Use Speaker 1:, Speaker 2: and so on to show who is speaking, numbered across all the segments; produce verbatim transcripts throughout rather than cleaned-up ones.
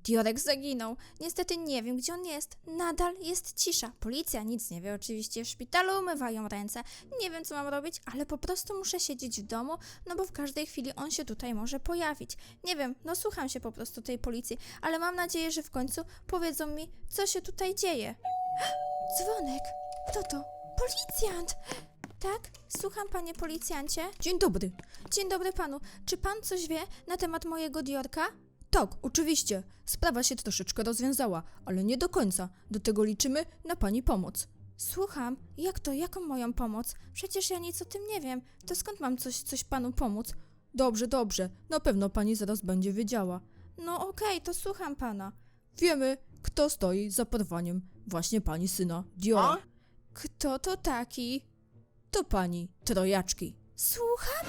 Speaker 1: Diorek zaginął. Niestety nie wiem, gdzie on jest. Nadal jest cisza. Policja nic nie wie. Oczywiście w szpitalu umywają ręce. Nie wiem, co mam robić, ale po prostu muszę siedzieć w domu, no bo w każdej chwili on się tutaj może pojawić. Nie wiem, no słucham się po prostu tej policji, ale mam nadzieję, że w końcu powiedzą mi, co się tutaj dzieje. Dzwonek. Kto to? Policjant! Tak? Słucham, panie policjancie. Dzień dobry. Dzień dobry panu. Czy pan coś wie na temat mojego Diorka? Tak, oczywiście. Sprawa się troszeczkę rozwiązała, ale nie do końca. Do tego liczymy na pani pomoc. Słucham. Jak to? Jaką moją pomoc? Przecież ja nic o tym nie wiem. To skąd mam coś, coś panu pomóc? Dobrze, dobrze. Na pewno pani zaraz będzie wiedziała. No okej, okay, to słucham pana. Wiemy, kto stoi za porwaniem właśnie pani syna Diora. Kto to taki? To pani trojaczki. Słucham?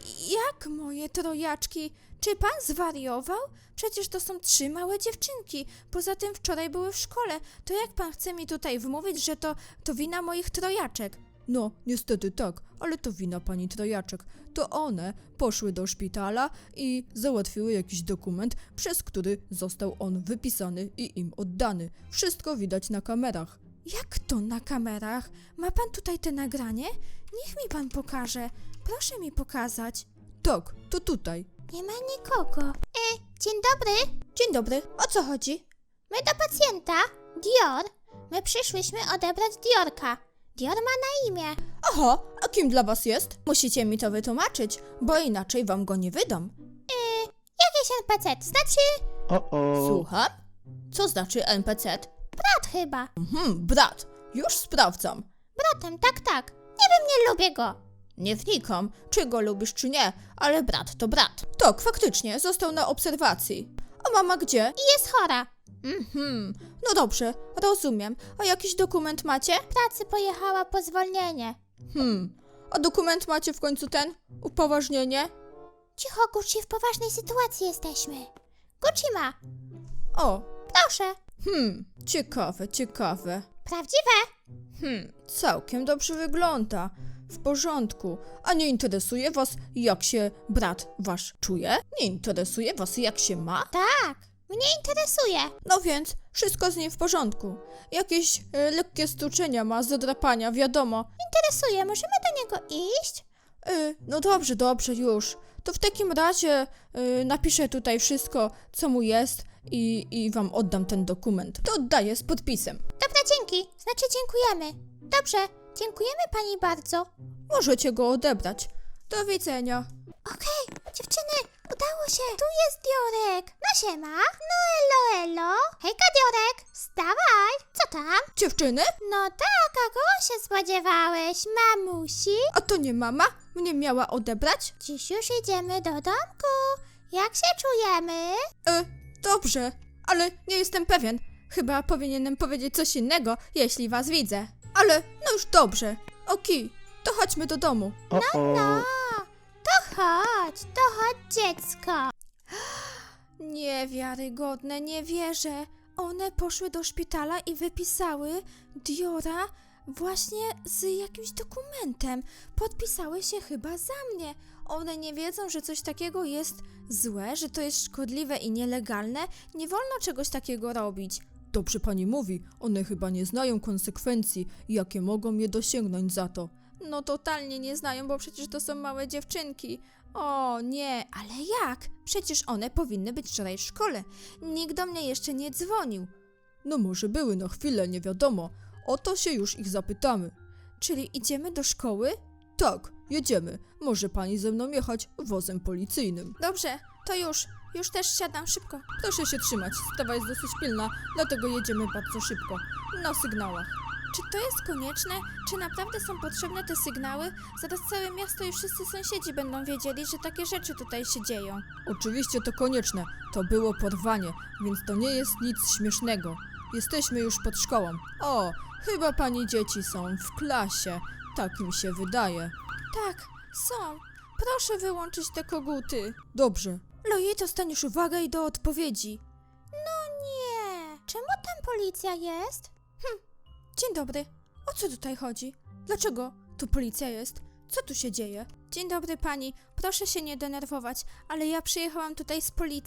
Speaker 1: Jak moje trojaczki? Czy pan zwariował? Przecież to są trzy małe dziewczynki. Poza tym wczoraj były w szkole. To jak pan chce mi tutaj wmówić, że to, to wina moich trojaczek? No, niestety tak, ale to wina pani trojaczek. To one poszły do szpitala i załatwiły jakiś dokument, przez który został on wypisany i im oddany. Wszystko widać na kamerach. Jak to na kamerach? Ma pan tutaj te nagranie? Niech mi pan pokaże. Proszę mi pokazać. Tak, to tutaj.
Speaker 2: Nie ma nikogo. E, dzień dobry.
Speaker 1: Dzień dobry. O co chodzi?
Speaker 2: My do pacjenta. Dior. My przyszłyśmy odebrać Diorka. Dior ma na imię.
Speaker 1: Aha, a kim dla was jest? Musicie mi to wytłumaczyć, bo inaczej wam go nie wydam.
Speaker 2: E, jakiś N P C, znaczy...
Speaker 3: O-o.
Speaker 1: Słucham? Co znaczy N P C?
Speaker 2: Brat chyba.
Speaker 1: Mhm, brat. Już sprawdzam.
Speaker 2: Bratem, tak, tak. Nie wiem, nie lubię go.
Speaker 1: Nie wnikam, czy go lubisz, czy nie, ale brat to brat. Tak, faktycznie, został na obserwacji. A mama gdzie?
Speaker 2: I jest chora.
Speaker 1: Mhm, no dobrze, rozumiem. A jakiś dokument macie?
Speaker 2: Pracy pojechała po zwolnienie.
Speaker 1: Hmm, a dokument macie w końcu ten? Upoważnienie?
Speaker 2: Cicho, Gucci, w poważnej sytuacji jesteśmy. Gucci ma.
Speaker 1: O,
Speaker 2: Proszę.
Speaker 1: hmm, ciekawe, ciekawe.
Speaker 2: Prawdziwe?
Speaker 1: Hmm, całkiem dobrze wygląda. W porządku. A nie interesuje was, jak się brat wasz czuje? Nie interesuje was, jak się ma?
Speaker 2: Tak, mnie interesuje.
Speaker 1: No więc, wszystko z nim w porządku. Jakieś e, lekkie stuczenia ma, zadrapania, wiadomo.
Speaker 2: Interesuje, możemy do niego iść?
Speaker 1: E, no dobrze, dobrze, już. To w takim razie e, napiszę tutaj wszystko, co mu jest i, i wam oddam ten dokument. To oddaję z podpisem.
Speaker 2: Dobra, dzięki. Znaczy dziękujemy. Dobrze, dziękujemy pani bardzo.
Speaker 1: Możecie go odebrać. Do widzenia.
Speaker 2: Okej, dziewczyny, udało się. Tu jest Diorek. No siema. No elo, elo. Hejka, Diorek. Wstawaj. Co tam?
Speaker 1: Dziewczyny?
Speaker 2: No tak, a kogo się spodziewałeś? Mamusi?
Speaker 1: A to nie mama? Mnie miała odebrać?
Speaker 2: Dziś już idziemy do domku. Jak się czujemy?
Speaker 1: E, dobrze, ale nie jestem pewien. Chyba powinienem powiedzieć coś innego, jeśli was widzę. Ale no już dobrze. Okej, to chodźmy do domu.
Speaker 3: O-o.
Speaker 2: To chodź, to chodź, dziecko.
Speaker 1: Niewiarygodne, nie wierzę. One poszły do szpitala i wypisały Diora właśnie z jakimś dokumentem. Podpisały się chyba za mnie. One nie wiedzą, że coś takiego jest złe, że to jest szkodliwe i nielegalne. Nie wolno czegoś takiego robić. Dobrze pani mówi, one chyba nie znają konsekwencji, jakie mogą je dosięgnąć za to. No totalnie nie znają, bo przecież to są małe dziewczynki. O nie, ale jak? Przecież one powinny być wczoraj w szkole. Nikt do mnie jeszcze nie dzwonił. No może były na chwilę, nie wiadomo. O to się już ich zapytamy. Czyli idziemy do szkoły? Tak, jedziemy. Może pani ze mną jechać wozem policyjnym. Dobrze, to już. Już też siadam szybko. Proszę się trzymać, sprawa jest dosyć pilna, dlatego jedziemy bardzo szybko. Na sygnałach. Czy to jest konieczne? Czy naprawdę są potrzebne te sygnały? Zaraz całe miasto i wszyscy sąsiedzi będą wiedzieli, że takie rzeczy tutaj się dzieją. Oczywiście to konieczne. To było porwanie, więc to nie jest nic śmiesznego. Jesteśmy już pod szkołą. O, chyba pani dzieci są w klasie. Tak mi się wydaje. Tak, są. Proszę wyłączyć te koguty. Dobrze. Lojej, dostaniesz uwagę i do odpowiedzi.
Speaker 2: No nie. Czemu tam policja jest?
Speaker 1: Hm. Dzień dobry. O co tutaj chodzi? Dlaczego tu policja jest? Co tu się dzieje? Dzień dobry pani. Proszę się nie denerwować, ale ja przyjechałam tutaj z policją.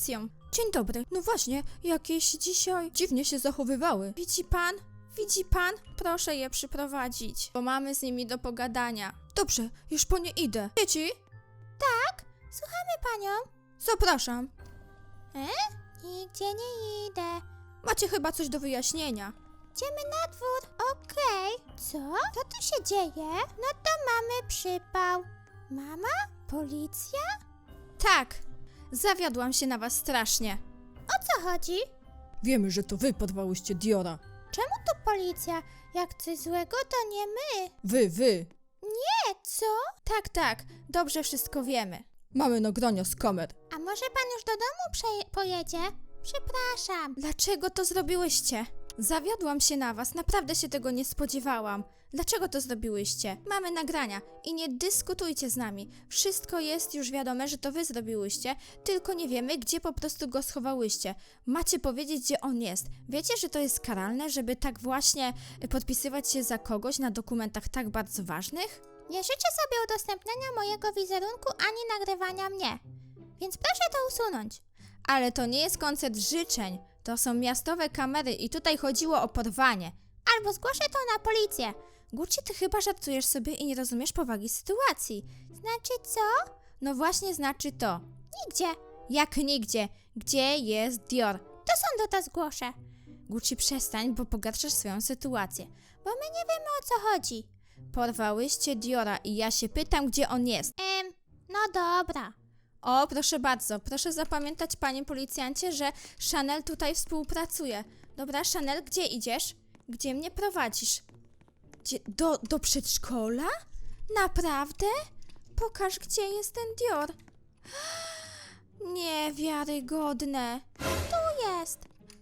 Speaker 1: Dzień dobry. No właśnie, jakieś dzisiaj dziwnie się zachowywały. Widzi pan? Widzi pan? Proszę je przyprowadzić, bo mamy z nimi do pogadania. Dobrze, już po nie idę. Dzieci?
Speaker 2: Słuchamy panią.
Speaker 1: Zapraszam.
Speaker 2: Nigdzie nie idę.
Speaker 1: Macie chyba coś do wyjaśnienia.
Speaker 2: Idziemy na dwór. Okej. Co? Co tu się dzieje? No to mamy przypał. Mama? Policja?
Speaker 1: Tak, zawiodłam się na was strasznie.
Speaker 2: O co chodzi?
Speaker 3: Wiemy, że to wy porwałyście Diora.
Speaker 2: Czemu tu policja? Jak coś złego, to nie my.
Speaker 3: Wy, wy.
Speaker 2: E, co?
Speaker 1: Tak, tak, dobrze wszystko wiemy.
Speaker 3: Mamy nagrania z kamer.
Speaker 2: A może pan już do domu przeje- pojedzie? Przepraszam.
Speaker 1: Dlaczego to zrobiłyście? Zawiodłam się na was, naprawdę się tego nie spodziewałam. Dlaczego to zrobiłyście? Mamy nagrania i nie dyskutujcie z nami. Wszystko jest już wiadome, że to wy zrobiłyście, tylko nie wiemy, gdzie po prostu go schowałyście. Macie powiedzieć, gdzie on jest. Wiecie, że to jest karalne, żeby tak właśnie podpisywać się za kogoś na dokumentach tak bardzo ważnych?
Speaker 2: Nie życzę sobie udostępniania mojego wizerunku ani nagrywania mnie. Więc proszę to usunąć.
Speaker 1: Ale to nie jest koncert życzeń. To są miastowe kamery i tutaj chodziło o porwanie.
Speaker 2: Albo zgłoszę to na policję.
Speaker 1: Gucci, ty chyba żartujesz sobie i nie rozumiesz powagi sytuacji.
Speaker 2: Znaczy co?
Speaker 1: No właśnie znaczy to.
Speaker 2: Nigdzie.
Speaker 1: Jak nigdzie. Gdzie jest Dior?
Speaker 2: To sądu to zgłoszę.
Speaker 1: Gucci, przestań, bo pogarszasz swoją sytuację.
Speaker 2: Bo my nie wiemy o co chodzi.
Speaker 1: Porwałyście Diora i ja się pytam, gdzie on jest.
Speaker 2: Em, no dobra.
Speaker 1: O, proszę bardzo, proszę zapamiętać, panie policjancie, że Chanel tutaj współpracuje. Dobra, Chanel, gdzie idziesz? Gdzie mnie prowadzisz? Gdzie? Do, do przedszkola? Naprawdę? Pokaż, gdzie jest ten Dior. Niewiarygodne.
Speaker 2: Tu jest.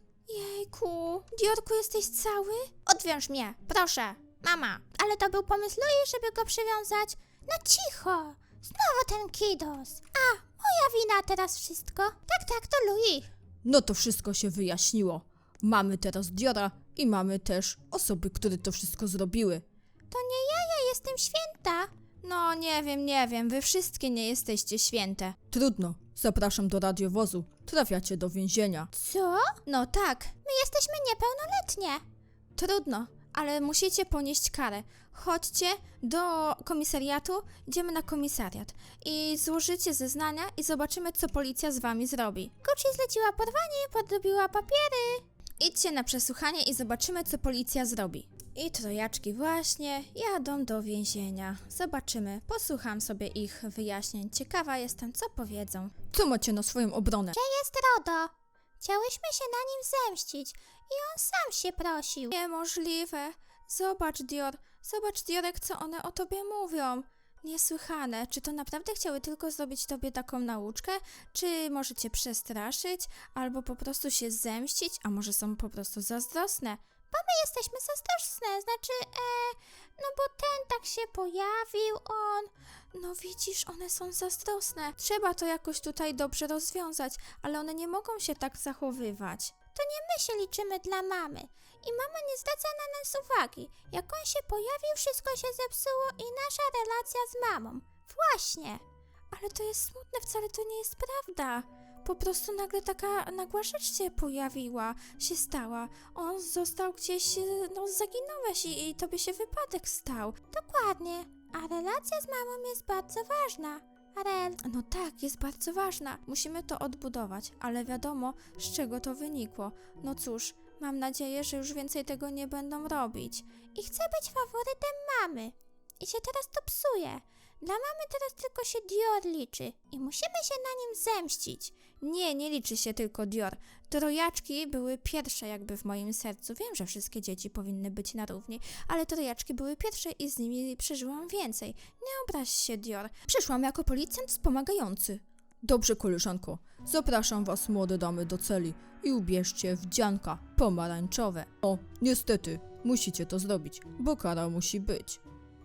Speaker 1: Jejku, Diorku, jesteś cały? Odwiąż mnie, proszę. Mama.
Speaker 2: Ale to był pomysł Louis, żeby go przywiązać. No cicho. Znowu ten kidos. A, moja wina teraz wszystko. Tak, tak, to Louis.
Speaker 3: No to wszystko się wyjaśniło. Mamy teraz Diora i mamy też osoby, które to wszystko zrobiły.
Speaker 2: To nie ja, ja jestem święta.
Speaker 1: No, nie wiem, nie wiem, wy wszystkie nie jesteście święte.
Speaker 3: Trudno. Zapraszam do radiowozu. Trafiacie do więzienia.
Speaker 2: Co?
Speaker 1: No tak,
Speaker 2: My jesteśmy niepełnoletnie.
Speaker 1: trudno, ale musicie ponieść karę. Chodźcie do komisariatu, idziemy na komisariat i złożycie zeznania i zobaczymy, co policja z wami zrobi.
Speaker 2: Gucci zleciła porwanie, podrobiła papiery.
Speaker 1: Idźcie na przesłuchanie i zobaczymy, co policja zrobi. I trojaczki właśnie jadą do więzienia. Zobaczymy, posłucham sobie ich wyjaśnień. Ciekawa jestem, co powiedzą.
Speaker 3: Co macie na swoją obronę?
Speaker 2: Jest RODO. Chciałyśmy się na nim zemścić i on sam się prosił.
Speaker 1: Niemożliwe. Zobacz, Dior. Zobacz, Diorek, co one o tobie mówią. Niesłychane. Czy to naprawdę chciały tylko zrobić tobie taką nauczkę? Czy może cię przestraszyć? Albo po prostu się zemścić? A może są po prostu zazdrosne?
Speaker 2: My jesteśmy zazdrosne, znaczy, e, no bo ten tak się pojawił, on.
Speaker 1: No widzisz, one są zazdrosne. Trzeba to jakoś tutaj dobrze rozwiązać, ale one nie mogą się tak zachowywać.
Speaker 2: My się liczymy dla mamy i mama nie zwraca na nas uwagi. Jak on się pojawił, wszystko się zepsuło i nasza relacja z mamą. Właśnie.
Speaker 1: Ale to jest smutne, wcale to nie jest prawda. Po prostu nagle taka nagła rzecz się pojawiła, się stała. On został gdzieś, no zaginąłeś i, i tobie się wypadek stał.
Speaker 2: Dokładnie. A relacja z mamą jest bardzo ważna. Arel,
Speaker 1: No tak, jest bardzo ważna. Musimy to odbudować, ale wiadomo, z czego to wynikło. No cóż, mam nadzieję, że już więcej tego nie będą robić.
Speaker 2: i chcę być faworytem mamy. I się teraz to psuje. Dla mamy teraz tylko się Dior liczy i musimy się na nim zemścić.
Speaker 1: Nie, nie liczy się tylko Dior. Trojaczki były pierwsze jakby w moim sercu. Wiem, że wszystkie dzieci powinny być na równi, ale trojaczki były pierwsze i z nimi przeżyłam więcej. Nie obraź się, Dior. Przyszłam jako policjant wspomagający.
Speaker 3: Dobrze, koleżanko. Zapraszam was, młode damy, do celi i ubierzcie wdzianka pomarańczowe. O, niestety, musicie to zrobić, bo kara musi być.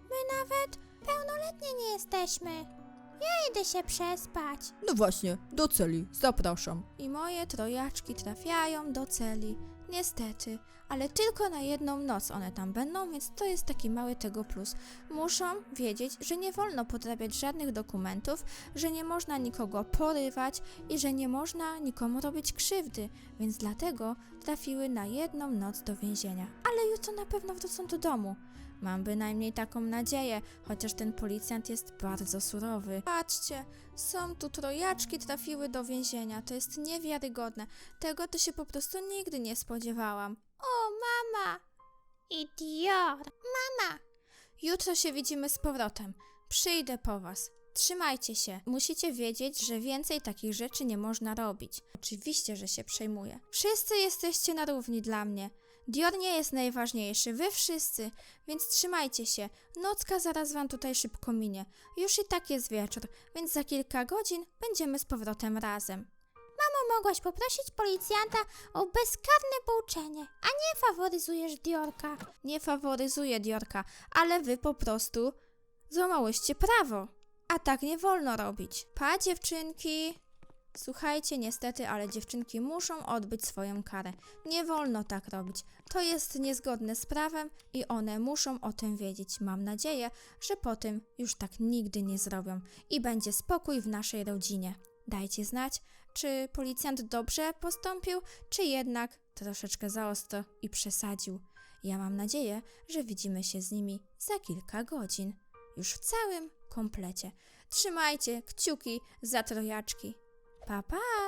Speaker 2: Nawet pełnoletnie nie jesteśmy. Ja idę się przespać.
Speaker 3: No właśnie, do celi, zapraszam.
Speaker 1: I moje trojaczki trafiają do celi. Niestety, ale tylko na jedną noc one tam będą, więc to jest taki mały tego plus. Muszą wiedzieć, że nie wolno podrabiać żadnych dokumentów, że nie można nikogo porywać i że nie można nikomu robić krzywdy, więc dlatego trafiły na jedną noc do więzienia. Ale jutro na pewno wrócą do domu. Mam bynajmniej taką nadzieję, chociaż ten policjant jest bardzo surowy. Patrzcie, są tu trojaczki trafiły do więzienia, to jest niewiarygodne. Tego to się po prostu nigdy nie spodziewałam.
Speaker 2: O, mama! Idiot! Mama!
Speaker 1: Jutro się widzimy z powrotem. Przyjdę po was. Trzymajcie się. Musicie wiedzieć, że więcej takich rzeczy nie można robić. Oczywiście, że się przejmuję. Wszyscy jesteście na równi dla mnie. Dior nie jest najważniejszy, wy wszyscy, więc trzymajcie się. Nocka zaraz wam tutaj szybko minie. Już i tak jest wieczór, więc za kilka godzin będziemy z powrotem razem.
Speaker 2: Mamo, mogłaś poprosić policjanta o bezkarne pouczenie, a nie faworyzujesz Diorka.
Speaker 1: Nie faworyzuję Diorka, ale wy po prostu złamałyście prawo. A tak nie wolno robić. Pa, dziewczynki! Słuchajcie, niestety, ale dziewczynki muszą odbyć swoją karę. Nie wolno tak robić. To jest niezgodne z prawem i one muszą o tym wiedzieć. Mam nadzieję, że po tym już tak nigdy nie zrobią i będzie spokój w naszej rodzinie. Dajcie znać, czy policjant dobrze postąpił, czy jednak troszeczkę za ostro i przesadził. Ja mam nadzieję, że widzimy się z nimi za kilka godzin. Już w całym komplecie. Trzymajcie kciuki za trojaczki. Pa, pa!